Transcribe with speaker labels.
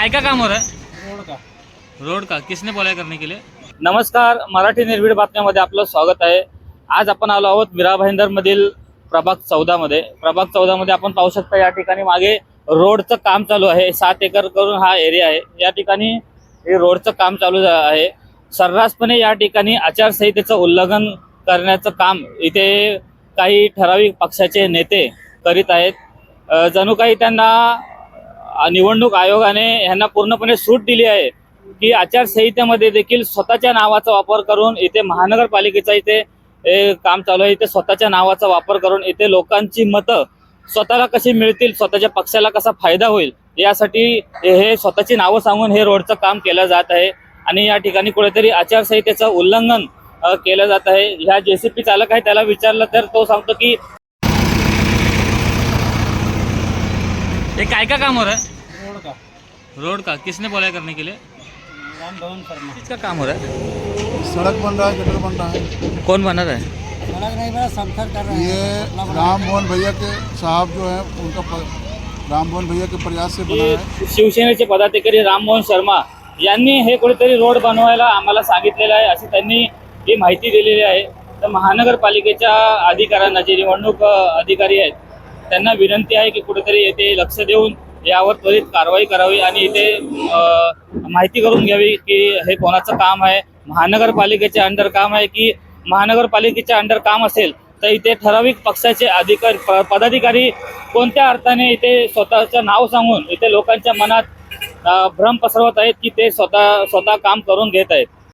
Speaker 1: काय का काम हो रहा है? रोड का किसने बोला करने के लिए? नमस्कार, मराठी निर्भीड बातम्यामध्ये आपलं स्वागत आहे। आज आपण आलो आहोत मीरा भाईंदर मधील प्रभाग 14 मध्ये। प्रभाग 14 मध्ये आपण पाहू शकता या ठिकाणी मागे रोडचं काम चालू आहे। 7 एकर करून हा एरिया आहे। या ठिकाणी हे रोडचं काम चालू आहे। सर्रासपणे या ठिकाणी आचारसंहितेचं उल्लंघन करण्याचं काम इथे काही ठराविक पक्षाचे नेते करीत आहेत। जणू काही त्यांना निवडणूक आयोगाने यांना पूर्णपणे सूट दिली आहे की आचारसंहितेमध्ये देखील स्वतःच्या नावाचा वापर करून इथे महानगरपालिकेचा इथे काम चालू आहे। इथे स्वतःच्या नावाचा वापर करून इथे लोकांची मतं स्वतःला कशी मिळतील, स्वतःच्या पक्षाला कसा फायदा होईल यासाठी हे स्वतःची नावं सांगून हे रोडचं काम केलं जात आहे। आणि या ठिकाणी कुठेतरी आचारसंहितेचं उल्लंघन केलं जात आहे। ह्या जेसीपी चालक आहे त्याला विचारलं तर तो सांगतो की ये काय का काम हो रहा है? रोड का किसने बोला करने के लिए?
Speaker 2: राम भवन शर्मा।
Speaker 1: किसका काम हो रहा है?
Speaker 3: सड़क बन रहा है, गटर बन रहा है।
Speaker 1: कौन बना रहा है?
Speaker 2: सड़क नहीं बना, समथर कर रहे हैं।
Speaker 3: ये राम मोहन भैया के साहब जो है उनका राम मोहन भैया के प्रयास से बना है।
Speaker 1: शिवसेनेचे पदाधिकारी राममोहन शर्मा यांनी हे कुठेतरी रोड बनवायला आम्हाला सांगितलेलं आहे अशी त्यांनी ही माहिती दिलेली आहे। तर महानगरपालिकेच्या अधिकाऱ्यांना, जे निवडणूक अधिकारी आहेत, त्यांना विनंती आहे की कुठेतरी येथे लक्ष देऊन यावर त्वरित कारवाई करावी आणि इथे माहिती करून घ्यावी की हे कोणाचं काम आहे, महानगरपालिकेचे अंडर काम आहे की महानगरपालिकेच्या अंडर काम असेल तर इथे ठराविक पक्षाचे अधिकारी पदाधिकारी कोणत्या अर्थाने इथे स्वतःचं नाव सांगून इथे लोकांच्या मनात भ्रम पसरवत आहेत की ते स्वतः काम करून घेत आहेत।